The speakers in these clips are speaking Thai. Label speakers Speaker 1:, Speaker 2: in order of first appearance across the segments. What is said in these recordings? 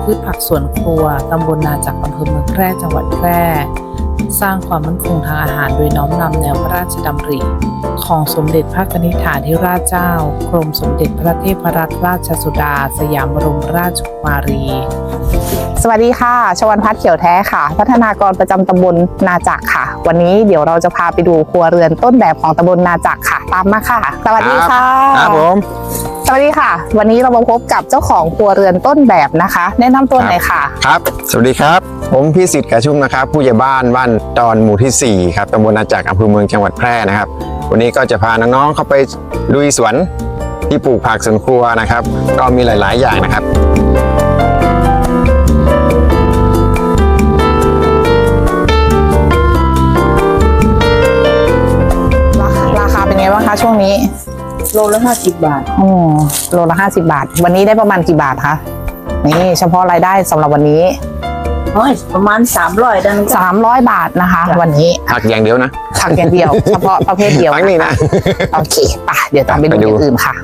Speaker 1: พืชผักสวนครัวตำบลนาจักรอำเภอเมืองแพร่จังหวัดแพร่สร้างความมั่นคงทางอาหารโดยน้อมนำแนวพระราชดำริของสมเด็จพระนิธิฐาธิราชเจ้ากรมสมเด็จพระเทพรัตนราชสุดาสยามบรมราชกุมารี
Speaker 2: สวัสดีค่ะชวันพัฒน์เขียวแท้ค่ะพัฒนากรประจำตำบลนาจักรค่ะ วันนี้เดี๋ยวเราจะพาไปดูครัวเรือนต้นแบบของตำบลนาจักรค่ะตามมาค่ะสวัสดีค่ะ
Speaker 3: ครับผม
Speaker 2: สวัสดีค่ะ วันนี้เรามาพบกับเจ้าของครัวเรือนต้นแบบนะคะ แนะนำตัวหน่อยค่ะ
Speaker 3: ครับสวัสดีครับผมพี่สิทธิ์กระชุ่มนะครับผู้ใหญ่บ้านดอนหมู่ที่4ครับตำบลนาจักรอำเภอเมืองจังหวัดแพร่นะครับวันนี้ก็จะพาน้องๆเข้าไปลุยสวนที่ปลูกผักสวนครัวนะครับก็มีหลายๆอย่างนะครับ
Speaker 2: ราคาเป็นไงบ้างคะช่วงนี้
Speaker 1: โลละ50 บาท
Speaker 2: โลละ50 บาทวันนี้ได้ประมาณกี่บาทคะนี่เฉพาะรายได้สำหรับวันนี้
Speaker 1: ประมาณ300ได้มั้ง
Speaker 2: 300 บาทนะคะวันนี้
Speaker 3: ผักอย่างเดียวนะ
Speaker 2: ผักอย่างเดียว เฉพาะประเภทเดียว
Speaker 3: ผักนี่นะ
Speaker 2: โอเคไปเดี๋ยวตามไปดูอย่างอื่นค่ะ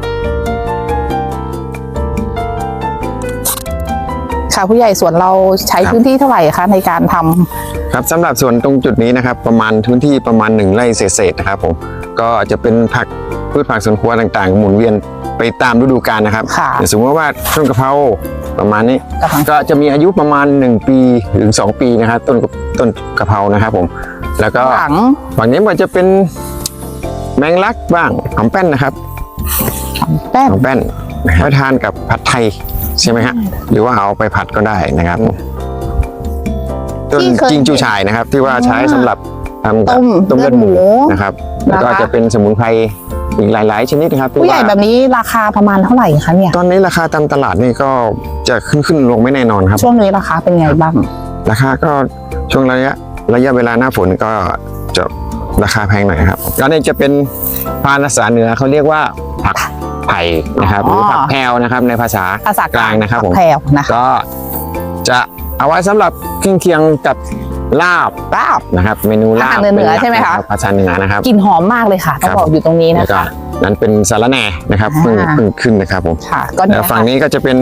Speaker 2: ค่ะผู้ใหญ่สวนเราใช้พื้นที่เท่าไหร่คะในการทำ
Speaker 3: ครับสำหรับส่วนตรงจุดนี้นะครับประมาณพื้นที่ประมาณ1 ไร่เศษๆนะครับผมก็จะเป็นพืชผักสวนครัวต่างๆหมุนเวียนไปตามฤดูกาลนะครับสมมติว่าต้นกะเพราประมาณนี้ก็จะมีอายุประมาณ1 ปีถึง2 ปีนะครับต้นกะเพรานะครับผมแล้วก็ฝั่งนี้มันจะเป็นแมงลักบ้างหอมแป้นนะครับหอมแป้นนะครับทานกับผัดไทยใช่ไหมฮะหรือว่าเอาไปผัดก็ได้นะครับต้นจิงจูฉ่ายนะครับที่ว่าใช้สำหรับทำต้มเลือดหมูนะครับแล้วก็จะเป็นสมุนไพรอีกหลายๆชนิดนะครับ
Speaker 2: ผู้ใหญ่แบบนี้ราคาประมาณเท่าไหร่คะเนี่ย
Speaker 3: ตอนนี้ราคาตามตลาดนี่ก็จะขึ้นลงไม่แน่นอนครับ
Speaker 2: ช่วงนี้ราคาเป็นไงบ้าง
Speaker 3: ราคาก็ช่วงระยะเวลาหน้าฝนก็จะราคาแพงหน่อยครับแล้วนี่จะเป็นภาษาเหนือเขาเรียกว่าผักไผ่นะครับหรือผักแพรวนะครับในภาษากลางนะครับผมก็จะเอาไว้สำหรับเครื่องเคียงกับลาบนะครับเมนูลาบ
Speaker 2: เหนือใช่ไหมคะ
Speaker 3: ภาษาเหนือนะครับ
Speaker 2: กลิ่นหอมมากเลยค่ะต้องบอกอยู่ตรงนี้นะคะ
Speaker 3: นั้นเป็นสาระแหน่นะครับเพิ่งขึ้นนะครับผมแล้วฝั่งนี้ก็จะเป็น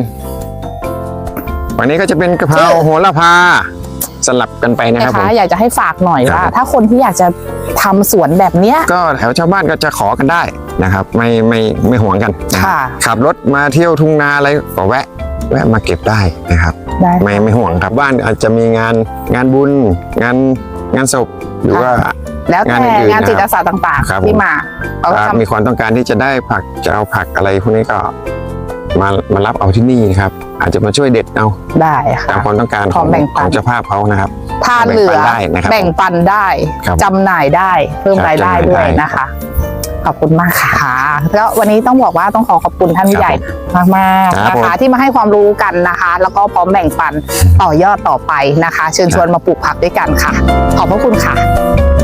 Speaker 3: กะเพราโหระพาสลับกันไปนะครับผม
Speaker 2: อยากจะให้ฝากหน่อยว่าถ้าคนที่อยากจะทำสวนแบบเนี้ย
Speaker 3: ก็แถวชาวบ้านก็จะขอกันได้นะครับไม่ห่วงกันขับรถมาเที่ยวทุ่งนาอะไรก็แวะมาเก็บได้นะครับไม่ห่วงครับบ้านอาจจะมีงานบุญงานศพหรือว่า
Speaker 2: แล้วแต่งานจิตอาสาต่างๆที่มา
Speaker 3: มีความต้องการที่จะได้ผักจะเอาผักอะไรพวกนี้ก็มารับเอาที่นี่ครับอาจจะมาช่วยเด็ดเอา
Speaker 2: ได้ค่ะ
Speaker 3: ตามความต้องการของเจ้าภาพเขานะครับ
Speaker 2: ทานเหลือแบ่งปันได้จำหน่ายได้เพิ่มรายได้ด้วยนะคะขอบคุณมากค่ะแล้ววันนี้ต้องบอกว่าต้องขอบคุณท่านผู้ใหญ่มากๆนะคะที่มาให้ความรู้กันนะคะแล้วก็พร้อมแบ่งปันต่อยอดต่อไปนะคะเชิญชวนมาปลูกผักด้วยกันค่ะขอบพระคุณค่ะ